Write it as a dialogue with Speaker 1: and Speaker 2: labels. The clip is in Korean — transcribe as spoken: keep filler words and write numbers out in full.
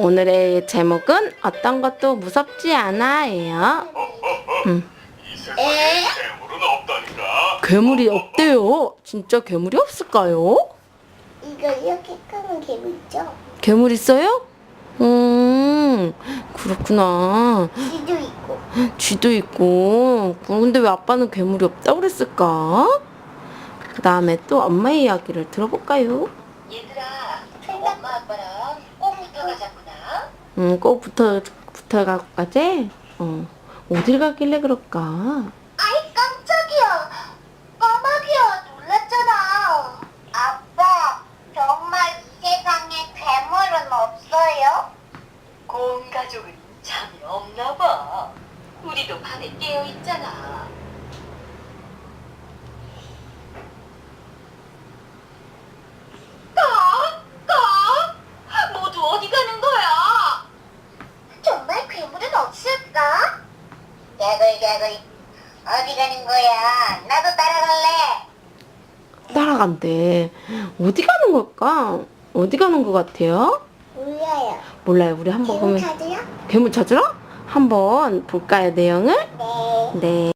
Speaker 1: 오늘의 제목은 어떤 것도 무섭지 않아예요. 음.
Speaker 2: 에?
Speaker 1: 괴물이 없대요. 진짜 괴물이 없을까요?
Speaker 2: 이거 이렇게 끄는 개미죠?
Speaker 1: 괴물 있어요? 음, 그렇구나.
Speaker 2: 쥐도 있고.
Speaker 1: 쥐도 있고. 근데 왜 아빠는 괴물이 없다고 그랬을까? 그 다음에 또 엄마의 이야기를 들어볼까요?
Speaker 3: 얘들아, 엄마 아빠랑 꼭 붙어 가자꾸나.
Speaker 1: 음, 꼭 붙어, 붙어가고 가지? 어. 어딜 가길래 그럴까?
Speaker 2: 아이 깜짝이야. 까마귀야 놀랐잖아. 아빠 정말 이 세상에 괴물은 없어요?
Speaker 3: 온 가족은 잠이 없나 봐. 우리도 밤에 깨어 있잖아. 까? 까? 모두 어디 가는 거야?
Speaker 2: 정말 괴물은 없을까? 개굴개굴 어디 가는 거야? 나도 따라갈래.
Speaker 1: 따라간대. 어디 가는 걸까? 어디 가는 것 같아요?
Speaker 2: 몰라요.
Speaker 1: 몰라요. 우리 한번
Speaker 2: 괴물
Speaker 1: 보면
Speaker 2: 찾으요?
Speaker 1: 괴물 찾으러? 한번 볼까요, 내용을?
Speaker 2: 네.
Speaker 1: 네.